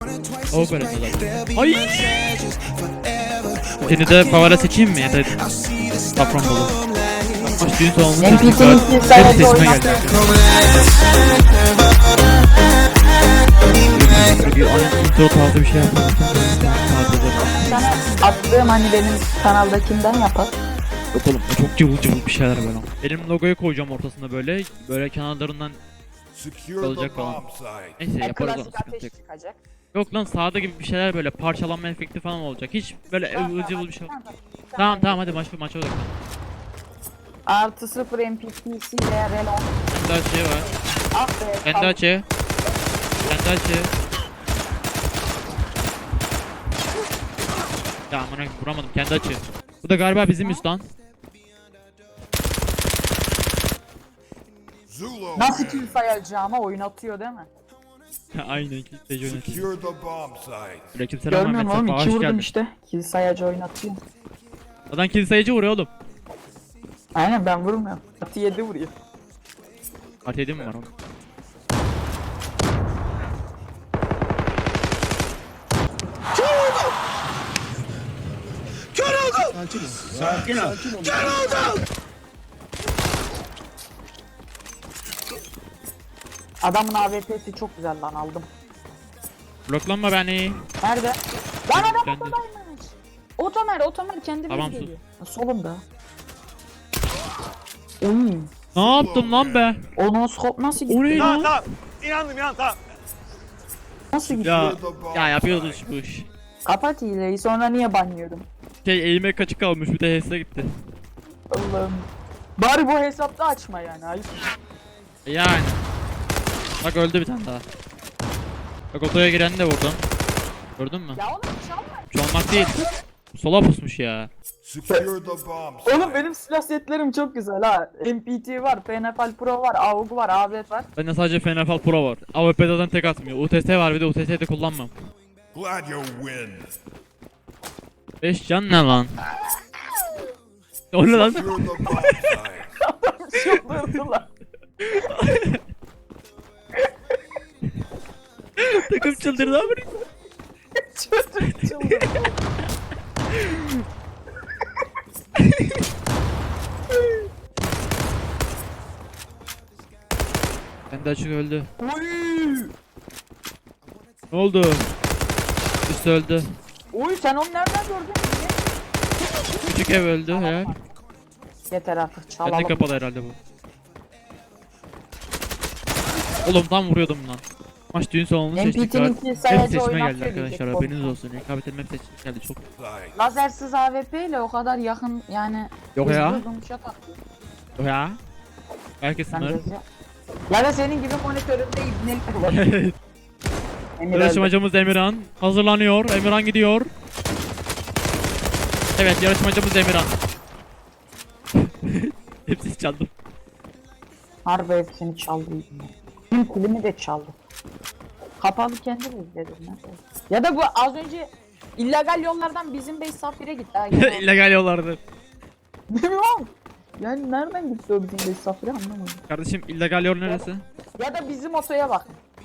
O böyle zaten. Ay! Seni de favori seçeyim mi ya da Safranbolu? Maç düğün salonunda hep sesime geldi. Intro tarzı bir şey yapalım. Sana attığım hani benim kanaldakinden yapar. Yok oğlum o çok cıvıl cıvıl bir şeyler böyle. Benim logoyu koyacağım ortasında böyle kenarlarından olacak falan. Neyse yaparız onu, Klasik sıkıntı ateş yok. çıkacak. Yok lan sağda gibi bir şeyler böyle parçalanma efekti falan olacak. Hiç böyle ıvıl cıvıl bir şey. Tamam hadi maça odaklan. Artı 0 MPPC veya Relon. Kendi açığı var. Ah be. Kendi açığı. Kendi açığı. Ya amına vuramadım kendi açığı. Bu da galiba bizim üst lan. Nasıl kill sayacağıma oynatıyor değil mi? Aynen kilitleyici oynatıyor. Böyle kimse Görmüyor musun oğlum? 2 vurdum geldin. işte. Kill sayacı oynatıyor. Adam kill sayıcı vuruyor oğlum. Aynen ben vurmuyorum. Atı 7 vuruyor. Artı 7 mi var oğlum? Sakin ol. Adamın AWP'si çok güzel lan aldım. Bloklanma beni. Nerede? Lan adam Kendi. otodaymış. Otomer kendi Tamam, biz sus. geliyor. Solumda. Oy. Ne yaptım lan be? O no scope nasıl O gitti? ne Tamam lan? tamam. İnandım tamam. Nasıl gitti? Ya yapıyordun bu iş. Kapat hileyi sonra niye banlıyorum? Elime kaçık kalmış bir de HS'e gitti. Allah'ım. Bari bu hesapta açma yani. Ayıp. Yani. Bak öldü bir tane daha. Bak otoya gireni de vurdum. Gördün mü? Ya oğlum çalma. Çalmak değil. Sola pusmuş ya. Oğlum benim silah setlerim çok güzel ha. MPT var, PNFL Pro var, AUG var, AWP var. Bende sadece FNFL Pro var. AWP zaten tek atmıyor. UTS var bir de UTS'yi de kullanmam. Glad you win. 5 can ne lan? O ne lan? Secure the bomb site. Çıldırdılar. Takım çıldırdı abi. Çocuk çıldırdı. Kendi açık öldü. Oy! Ne oldu? Üstü öldü. Oy sen onu nereden gördün? Küçük ev öldü ya. Yeter artık Kendi çalalım. kapalı herhalde bu. Oğlum tam vuruyordum lan. Maç düğün salonunu seçtik. MPT'nin kill Hep sayacı seçime geldi oynatıyor arkadaşlar. diyecek. Haberiniz olsun. Rekabetin hep seçime geldi. Çok. Site. Lazersiz AWP ile o kadar yakın yani. Yok ya. hızlı dumşat atıyor. O ya. Herkes Ben sınır. de- Ya da senin gibi monitöründe ibnelik kullanıyor. Emir öldü. Yarışmacımız Emirhan hazırlanıyor. Emirhan gidiyor. Evet yarışmacımız Emirhan. Hepsi çaldım. Harbi hepsini çaldı. Tüm kulümü de çaldı. Kapalı kendi izledim. Ya da bu az önce illegal yollardan bizim base safire gitti. Ha, gene. İllegal yollardı. Bilmiyorum. Yani nereden gitti o bizim base safire anlamadım. Kardeşim illegal yol neresi? Ya da bizim otoya bak.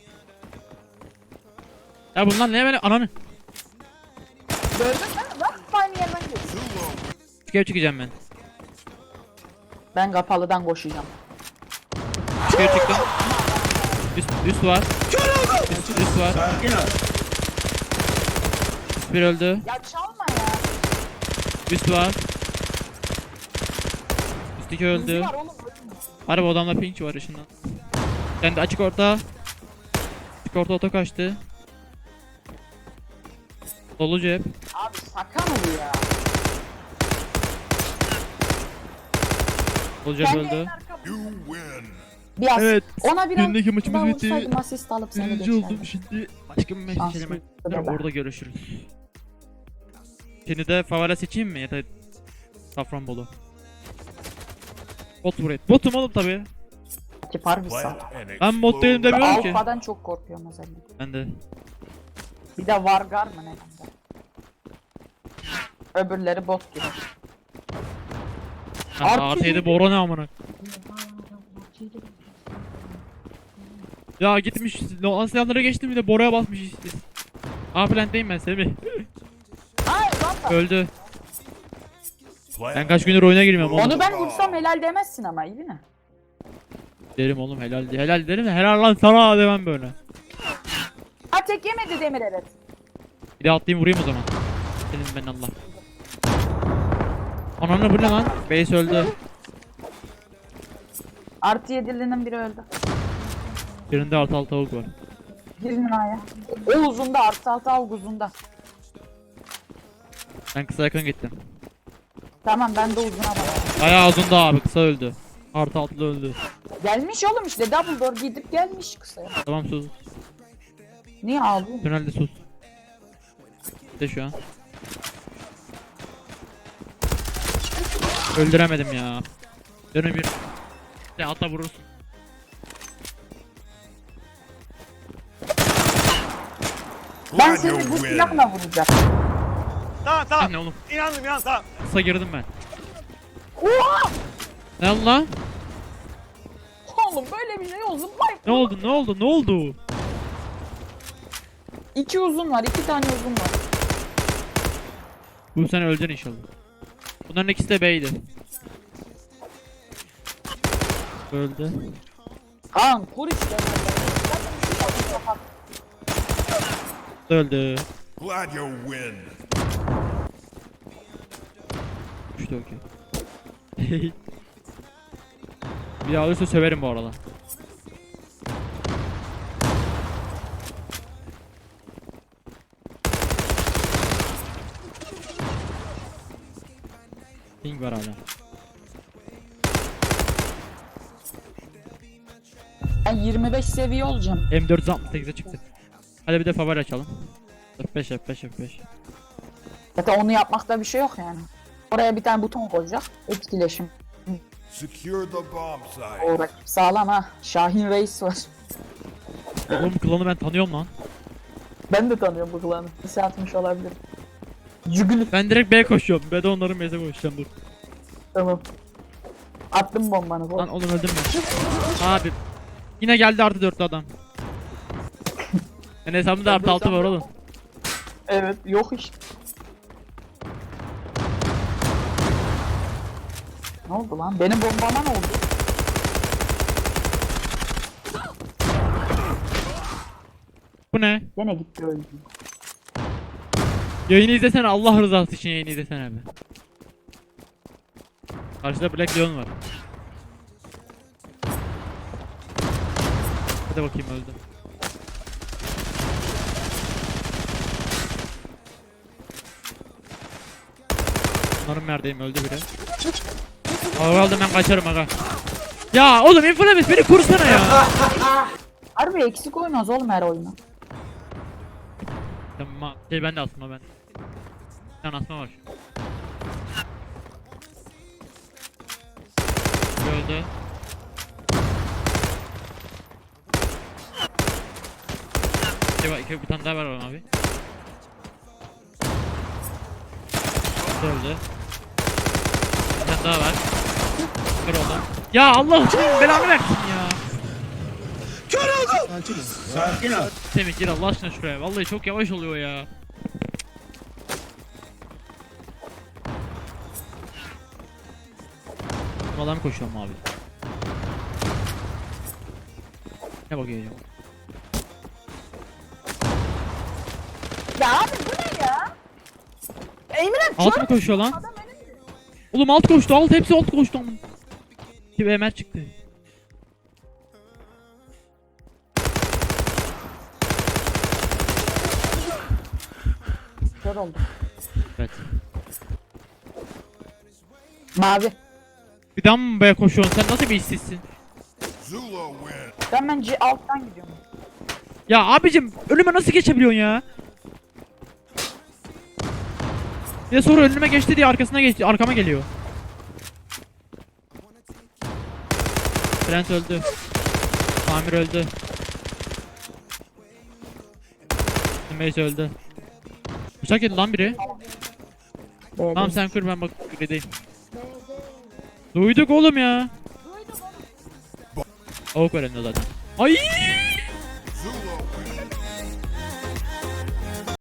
Ya bunlar ne böyle ananı? Gördün mü? Bak aynı yerden gidiyor. Çıkıp çıkacağım ben. Ben kapalıdan koşacağım. Çıkıp çıktım. Üst var. Üst var. Sakin ol. Üst bir öldü. Ya çalma ya. Üst var. Üst iki öldü. Bizi var oğlum. Harbi odamda pink var ışından. Kendi açık orta. Açık orta oto kaçtı. Dolu cep. Abi şaka mı bu ya? Dolu cep Kendi öldü. en arka- You win. Bir as. Evet. Ona biraz Gündeki maçımız daha bitti. vursaydım asist alıp seni Birinci oldum geçerdim. şimdi. Başka bir mesaj Şanslı hemen. da ben. Orada görüşürüz. Seni de favori seçeyim mi ya da Safranbolu? Bot buraya. Botum oğlum tabi. Ki harbi sağ. Plant and Ben bot değilim explode. demiyorum ki. Alfa'dan çok korkuyorum özellikle. Ben de. Bir de Vargar mı ne bende? Öbürleri bot gibi. Artı 7 Bora ne amına. Ya gitmiş Aslanlara geçtim bir de Bora'ya basmış işte. A plant'teyim ben Semih. Hayır rampa. Öldü. Ben Plant kaç gündür oyuna girmiyorum oğlum. Onu ben vursam helal demezsin ama iyi mi? Derim oğlum helal helal derim de helal lan sana demem böyle. Ha tek yemedi Demir evet. Bir de atlayayım vurayım o zaman. Dedim ben Allah. Ananı bu ne lan? Base öldü. Artı 7'linin biri öldü. Birinde artı altı tavuk var. Girin A'ya. O uzunda artı 6 av uzunda. Ben kısa yakın gittim. Tamam ben de uzuna bak. Bayağı uzundu abi kısa öldü. Artı altılı öldü. Gelmiş oğlum işte double door gidip gelmiş kısaya. Tamam sus. Niye ağlıyorsun? Tünelde sus. De şu an. Öldüremedim ya. Dönün bir. De ata vurursun. Ben Glad seni you bu win. silahla vuracağım. Tamam tamam. Ne oğlum? İnandım inan tamam. Kısa girdim ben. Oha! Ne oldu lan? Oğlum böyle bir şey olsun. Vay. Ne oldu? Ne oldu? Ne oldu? 2 uzun var, 2 tane uzun var. Bu sene öleceksin inşallah. Bunların ikisi de B'ydi. Öldü. Kaan kur işte. Öldü. Glad you win. İşte okey. Bir daha olursa söverim bu arada. Ping var hala. Ben 25 seviye olacağım. M468'e çıktı. Hadi bir de favori açalım. F5 F5 F5. Zaten onu yapmakta bir şey yok yani. Oraya bir tane buton koyacak. Etkileşim. Secure the bomb site. Orada sağlam ha. Şahin Reis var. Oğlum bu klanı ben tanıyorum lan. Ben de tanıyorum bu klanı. Lise atmış olabilir. Cügülü. Ben direkt B'ye koşuyorum. B'de onların B'ye koşacağım dur. Tamam. Attım bombanı. Lan oğlum öldüm ben. Abi. Yine geldi artı 4'lü adam. Ben hesabımda artı 6 var oğlum. Evet yok işte. Ne oldu lan? Benim bombama ne oldu? Bu ne? Gene gitti öldü. Yayını izlesene Allah rızası için yayını izlesene abi. Karşıda Black Leon var. Hadi bakayım öldü. Umarım neredeyim öldü biri. Aga aldım ben kaçarım aga. Ya oğlum Inflames beni kurusana ya. Harbi eksik oynuyoruz oğlum her oyunu. Tamam şey ben de asma ben. Bir tane asma var şu. Öldü. Bir tane daha var abi. Öldü. Bir tane daha var. Kır oldu. Ya Allah için belanı versin ya. Sakin ol. Semih gir Allah aşkına şuraya. Vallahi çok yavaş oluyor ya. Buradan mı koşuyorum abi? Ne bakıyor acaba? Ya abi bu ne ya? Emre Alt mı koşuyor lan? Oğlum alt koştu, alt hepsi alt koştu ama. Bir Ömer çıktı. kör oldu. Evet. Mavi. Bir daha mı be koşuyorsun? Sen nasıl bir işsizsin? Zula win. Ben bence alttan gidiyorum. Ya abicim önüme nasıl geçebiliyorsun ya? Bir de sonra önüme geçti diye arkasına geçti, arkama geliyor. Trent öldü. Amir öldü. Mace öldü. Bıçak yedi lan biri. Tamam sen kur ben bak grideyim. Duyduk oğlum ya. Avuk var elinde zaten. Ay!